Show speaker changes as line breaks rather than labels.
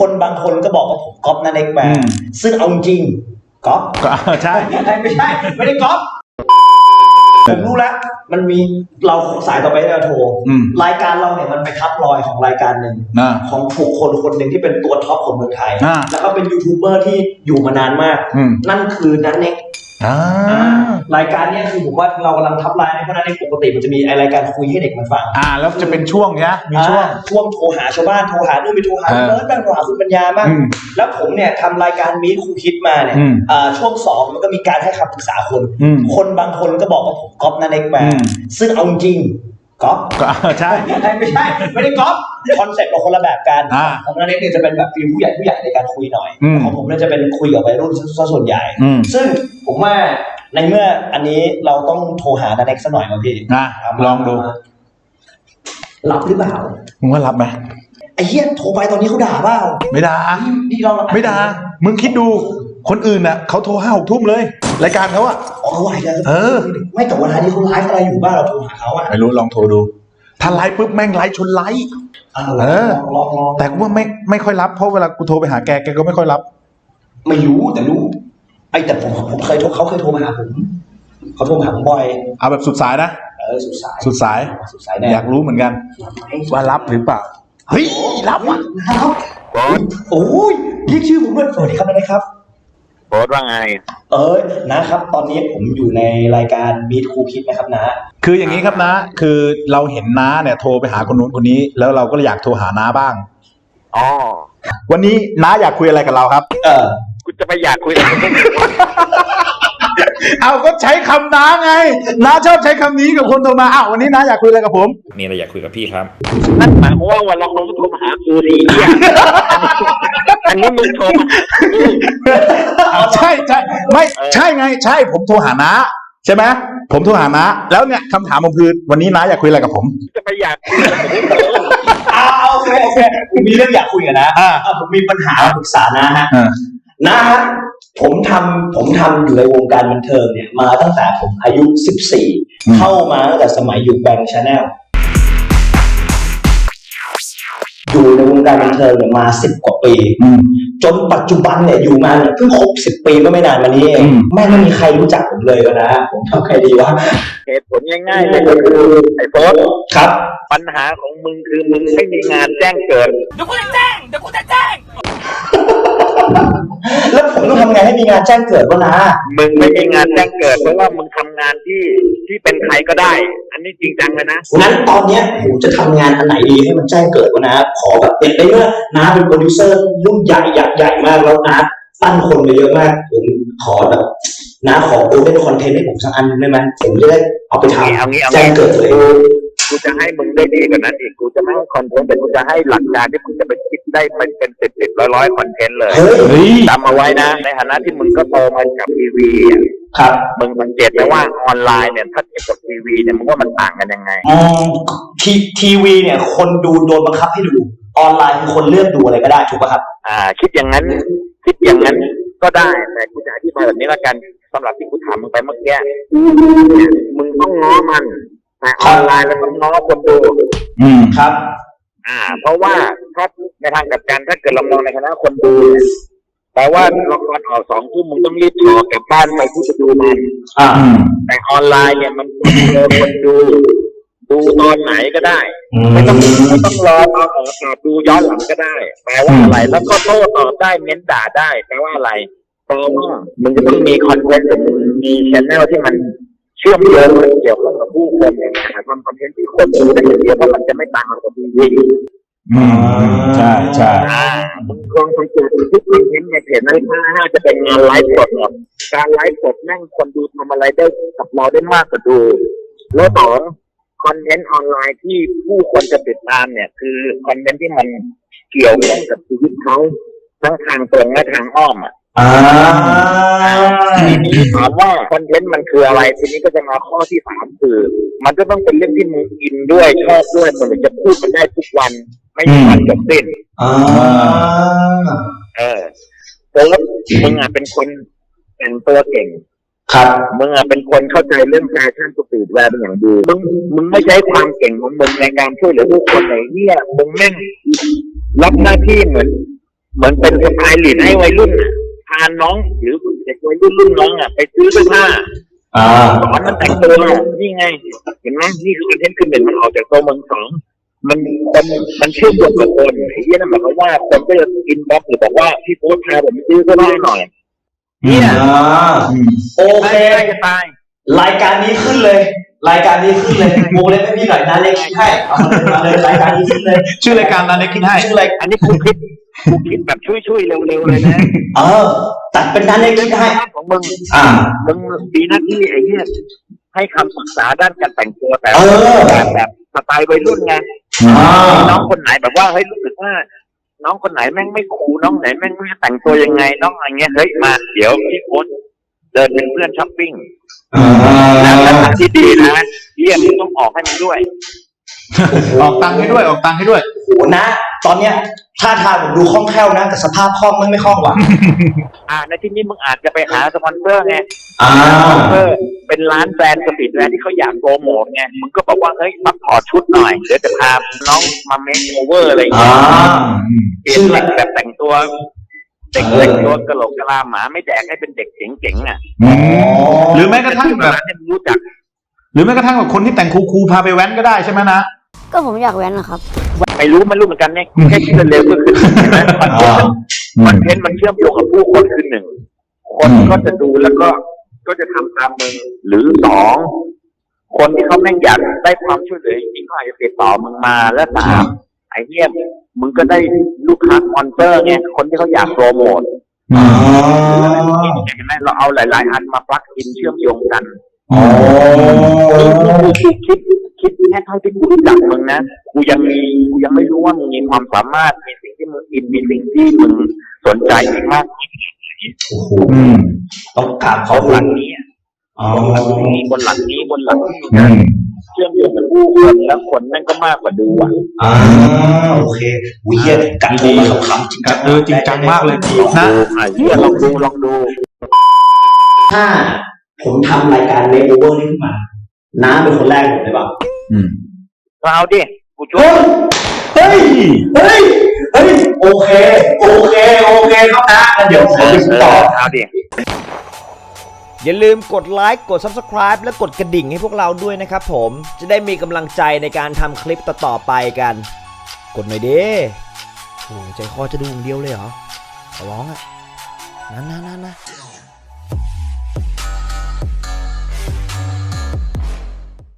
คนบางคนก็บอกว่าผมก๊อปนั่นเองมาซึ่งเอาจริงก๊อป
ใช่
ไม่ใช่ไม่ได้ก๊อปผมรู้แล้วมันมีเราสายต่อไปเราโทรรายการเราเนี่ยมันไปทับรอยของรายการหนึ่งของบุคคลคนหนึ่งที่เป็นตัวท็อปของเมืองไทยแล้วก็เป็นยูทูบเบอร์ที่อยู่มานานมากนั่นคือนันเน็กรายการนี้คือผมว่าเรากำลังทับไลน์เพราะนั้นในปกติมันจะมีรายการคุยให้เด็กมันฟัง
แล้วจะเป็นช่วงเนี้ยมี
ช่วงโทรหาชาวบ้านโทรหานู่นไปโทรหาเนิร์ดบ้างโทรหาคุณปัญญาบ้างแล้วผมเนี่ยทำรายการมีครูคิดมาเนี่ยช่วง2มันก็มีการให้คำปรึกษาคนบางคนก็บอกว่าผมก๊อปนั่นเองมาซึ่งเอาจริงก๊อป
ใช่
ไม่ใช่ไม่ได้ก๊อปคอนเซ็ปต์เราคนละแบบกันของนันเน็กเนี่ยจะเป็นแบบฟีลผู้ใหญ่ในการคุยหน่อยของผมเนี่ยจะเป็นคุยกับวัยรุ่นซะส่วนใหญ่ซึ่งผมว่าในเมื่ออันนี้เราต้องโทรหานันเน็กสักหน่อยมาพี่
ลองดู
รับหรือเปล่า
มึงว่ารับไหม
ไอ้เหี้ยโทรไปตอนนี้เขาด่าเปล่า
ไม่ด่าไม่ด่ามึงคิดดูคนอื่นน่ะเขาโทร5-6 ทุ่มเลยรายการเขา
เขาไหวกันไม่แต่วันนี้เขาไลฟ์อะไรอยู่บ้านเราโทรหาเขา
ไม่รู้ลองโทรดูถ้าไลฟ์ปุ๊บแม่งไลฟ์ชนไลฟ์แต่กูว่าไม่ค่อยรับเพราะเวลากูโทรไปหาแกก็ไม่ค่อยรับ
ไม่รู้แต่รู้แต่ผมเคยเขาเคยโทรมาหาผมเขาโทรมาหาผมบ่อย
เอาแบบสุดสายนะสุดสายอยากรู้เหมือนกันว่ารับหรือเปล่า
เฮ้ยรับว่ะโอ้ยเรียกชื่อผมด้วยสวัสดีครับนะครับ
โพสว่าไง
นะครับตอนนี้ผมอยู่ในรายการมีทครูคิดนะครับนะ
คืออย่างนี้ครับนะคือเราเห็นน้าเนี่ยโทรไปหาคนนู้นคนนี้แล้วเราก็อยากโทรหาน้าบ้างวันนี้น้าอยากคุยอะไรกับเราครับ
กูจะไปอยากคุยอะไร
เอาก็ใช้คำน้าไงน้าชอบใช้คำนี้กับคนโทรมาวันนี้น้าอยากคุยอะไรกับผม
มีอะไรอยากคุยกับพี่ครับนั่นหมายความว่าวันเราโทรมาหากูดีอันนี้มึงโทรมา
ใช่ไม่ใช่ไงใช่ผมโทรหาน้าใช่ไหมผมโทรหาน้าแล้วเนี่ยคำถามผมคือวันนี้น้าอยากคุยอะไรกับผม
จะไปอยากคุย
โอเคผมมีเรื่องอยากคุยกันนะผมมีปัญหาปรึกษานะฮะผมทำอยู่ในวงการบันเทิงเนี่ยมาตั้งแต่ผมอายุ14เข้ามาตั้งแต่สมัยอยู่แบงค์ชาแนลอยู่ในวงการบันเทิงเนี่ยมา10 กว่าปีจนปัจจุบันเนี่ยอยู่มาเนี่ยเพิ่งครบ10 ปีก็ไม่นานมานี้เองแม่ไม่มีใครรู้จักผมเลยนะผมทำใครดีวะ
เหตุผลง่ายๆเลยก็คือไอ้โบ๊ท
ครับ
ปัญหาของมึงคือมึงไม่มีงานแจ้งเกิด
เดี๋ยวกูจะแจ้งแล้วผมต้องทำไงให้มีงานแจ้งเกิดวะนะ
มึงไม่มีงานแจ้งเกิดเพราะว่ามึงทำงานที่เป็นใครก็ได้อันนี้จริงจังเลยนะ
งั้นตอนเนี้ยผมจะทำงานอันไหนดีให้มันแจ้งเกิดวะนะขอแบบเป็นได้ว่านะเป็นโปรดิวเซอร์รุ่นใหญ่มากแล้วนะตั้งคนไปเยอะมากผมขอแบบนะขอโอเล่นคอนเทนต์ให้ผมสักอันได้ไหมผมจะได้เอาไปทำแจ้งเกิดเลย
กูจะให้มึงได้ดีกว่านั้นอีกกูจะไม่ให้คอนเทนต์แต่กูจะให้หลักการที่มึงจะไปคิดได้เป็น10 ร้อยคอนเทนต์เลยจำเอาไว้นะในฐานะที่มึงก็โตมากับทีวี
ครับ
มึงสังเกตไหมว่าออนไลน์เนี่ยถ้าเทียบกับทีวีเนี่ยมึงว่ามันต่างกันยังไง
ทีวีเนี่ยคนดูโดนบังคับให้ดูออนไลน์คือคนเลือกดูอะไรก็ได้ถูกป่ะครับ
คิดอย่างนั้นก็ได้แต่กูจะอธิบายแบบนี้ละกันสำหรับที่กูถามมึงไปเมื่อกี้มึงต้องง้อมันแต่ออนไลน์แล้วต้องง้อคนดู
ครับ
เพราะว่าถ้าในทางกลับกันถ้าเกิดเรามองในคณะคนดูแปลว่าละครออก2 ทุ่มมึงต้องรีบถอกลับบ้านไปที่จะดูมันแต่ออนไลน์เนี่ยมันคนดูตอนไหนก็ได้ไม่ต้องรอตอนออกดูย้อนหลังก็ได้แปลว่าอะไรแล้วก็โต้ตอบได้เม้นด่าได้แปลว่าอะไรแปลว่ามึงจะต้องมีคอนเทนต์หรือมึงมีแชนแนลที่มันเชื่อมโยงเกี่ยวข้องกับผู้คนเนี่ยทำคอนเทนต์ที่คนดูได้อย่างเดียวเพราะมันจะไม่ต่างกับทีวี
ใช่
มึงลองสังเกตทุกคอนเทนต์ในเพจนั้นน่าจะเป็นงานไลฟ์สดการไลฟ์สดแม่งคนดูทำอะไรได้กับเราได้มากกว่าดูแล้วต่อคอนเทนต์ออนไลน์ที่ผู้คนจะติดตามเนี่ยคือคอนเทนต์ที่มันเกี่ยวข้องกับชีวิตเขาทั้งทางตรงและทางอ้อมทีนี้ถามว่าคอนเทนต์มันคืออะไรทีนี้ก็จะมาข้อที่3คือมันก็ต้องเป็นเรื่องที่มึงอินด้วยชอบด้วยมันถึงจะพูดมันได้ทุกวันไม่มีวันจบสิ้นแล้วมึงเป็นคนแต่งตัวเก่ง
ครับ
มึงเป็นคนเข้าใจเรื่องแฟชั่นสตรีทแวร์เป็นอย่างดีมึงไม่ใช้ความเก่งของมึงในการช่วยเหลือผู้คนไหนเนี่ยมึงแม่งรับหน้าที่เหมือนเหมือนเป็นสไตล์ลีดให้วัยรุ่นน่ะพาน้องหรือเด็กวัยรุ่นรุ่นน้องอ่ะไปซื้อเสื้อผ้าสอนมันแต่งตัวนี่ไงเห็นไหมนี่คือคอนเทนต์คือหนึ่งมันออกจากตัวเมืองสองมันเชื่อมโยงกับคนไอ้เหี้ยนั่นหมายความว่าคนก็จะอินบ็อกซ์หรือบอกว่าพี่โค้ชพาผมไปซื้อเสื้อผ้าหน่อยเนี่ย
โอเค
จะตาย
รายการนี้ขึ้นเลยโมเล็กให้พี่หน่อยนะเล็กคิดให้เอามาเลยรายการนี้ขึ้นเลย
ชื่อรายการนั้นเล็กคิดให้
ชื่ออะไร
อันนี้กูคิดแบบช่วยเร็วๆเลยนะ
ตัดเป็นนั้นเล็กคิดให้
ของมึงมีหน้าที่ไอ้เหี้ยให้คำปรึกษาด้านการแต่งตัวแต่แบบสไตล์วัยรุ่นไงน้องคนไหนแบบว่าเฮ้ยรู้สึกว่าน้องคนไหนแม่งไม่คูลน้องไหนแม่งไม่แต่งตัวยังไงน้องอะไรเงี้ยเฮ้ยมาเดี๋ยวพี่โค้ชเดินเป็นเพื่อนช้อปปิ้งแล้วที่ดีนะเยี่ยมต้องออกให้มันด้วย
ออกตังค์ให้ด้วย
โหนะตอนเนี้ยท่าทางผมดูคล่องแคล่วนะแต่สภาพคล่องไม่คล่องว่ะ
ในที่นี้มึงอาจจะไปหาสปอนเซอร์ไงสปอนเซอร์เป็นร้านแบรนด์สตรีทแวร์ที่เขาอยากโปรโมทไงมึงก็บอกว่าเฮ้ยมาขอชุดหน่อยเดี๋ยวจะพาน้องมาเมคโอเวอร์อะไรอย่างเงี้ยเปลี่ยนแบบแต่งตัวเด็กตัวกระโหลกกะลาหมาไม่แดกให้เป็นเด็กเจ๋งๆอ่ะ
หรือแม้กระทั่งแบบ
รู้จัก
หรือแม้กระทั่งแบบคนที่แต่งคูลๆพาไปแว้นก็ได้ใช่ไหมนะ
ก็ผมอยากแว้นนะครับ
ไม่รู้เหมือนกันเนี่ยแค่คิดเร็วก็คือเห็นไหมมันเชื่อมโยงกับผู้คนคือหนึ่งคนก็จะดูแล้วก็จะทำตามมึงหรือสองคนที่เขาแม่งอยากได้ความช่วยเหลือจริงๆเขาอาจจะติดต่อมึงมาและสามไอ้เนี่ยมึงก็ได้ลูกค้าสปอนเซอร์ไงคนที่เขาอยากโปรโมทเห็นไหมเราเอาหลายๆอันมาปลั๊กอินเชื่อมโยงกันคิดแค่เท่าที่กูรู้จักมึงนะกูยังไม่รู้ว่ามึงมีความสามารถมีสิ่งที่มึงอินมีสิ่งที่มึงสนใจอีกมาก
ต้องกราบเขา
บนหลังนี้บนหลังนี้เชื่อมโยงกับผู้คนแล้วคนนั่นก็มากกว่าดู
โอเควิเยกัดโทรมาขำๆจริงจัง
จริงจังมากเลย
นะเฮียลองดู
ถ้าผมทำรายการเมคโอเวอร์นี้ขึ้นมาน้าเป็นคนแรกผมเลยป่ะ
เอาดิกูช่วย
เฮ้ยโอเคครับนะเดี๋ยวผมต่อ
เอาดิ
อย่าลืมกดไลค์กด Subscribe และกดกระดิ่งให้พวกเราด้วยนะครับผมจะได้มีกำลังใจในการทำคลิปต่อๆไปกันกดหน่อยดิโอ้ใจคอจะดูอย่างเดียวเลยเหรอขอร้องอ่ะนะ